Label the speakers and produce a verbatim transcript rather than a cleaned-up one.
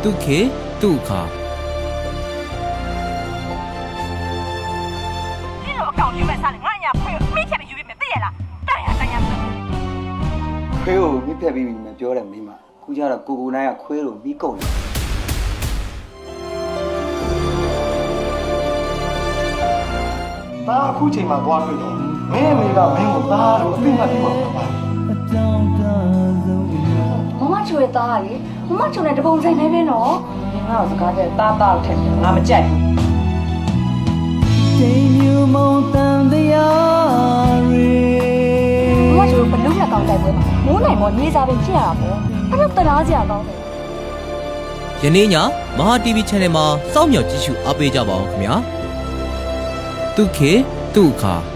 Speaker 1: တုခေတုခါ
Speaker 2: 你老搞你们啥的，俺家朋友每天都有没得啦，当然当然。
Speaker 3: ခွေးကိုမိဖက်ပြီးပြီမပြောတယ်မိမခုကျတော့ကိုကိုနိုင်ကခွေးကိုပြီးကုန်တယ်
Speaker 4: ဒါအခုချိန်မှာသွားတွေ့တော့မင်းအမေကမင်းကိုသားလို့အသိမှတ်ပြုပါမှာပါ
Speaker 5: မမချိုရဲ့သားကလေမမချိုနဲ့တပုံဆိုင်နေပဲနော်ငါ့ကိုစကားတဲ့သားသားထက်ငါမကြိုက်ဘူးချိန်မြူမုံတန်တရားရီမမချိုဘလုံးနဲ့ကောင်းတိုက်ပွဲမှာမိုးနိုင်မောနေစားပင်ဖြစ်ရတာပေါ့အဲ့တော့တရားစရာကောင်းတယ်
Speaker 1: ယနေ့ညမဟာ တီဗီ Channel မှာစောင့်မျှော်ကြည့်ရှုအားပေးကြပါအောင်ခင်ဗျာတုခေတုခါ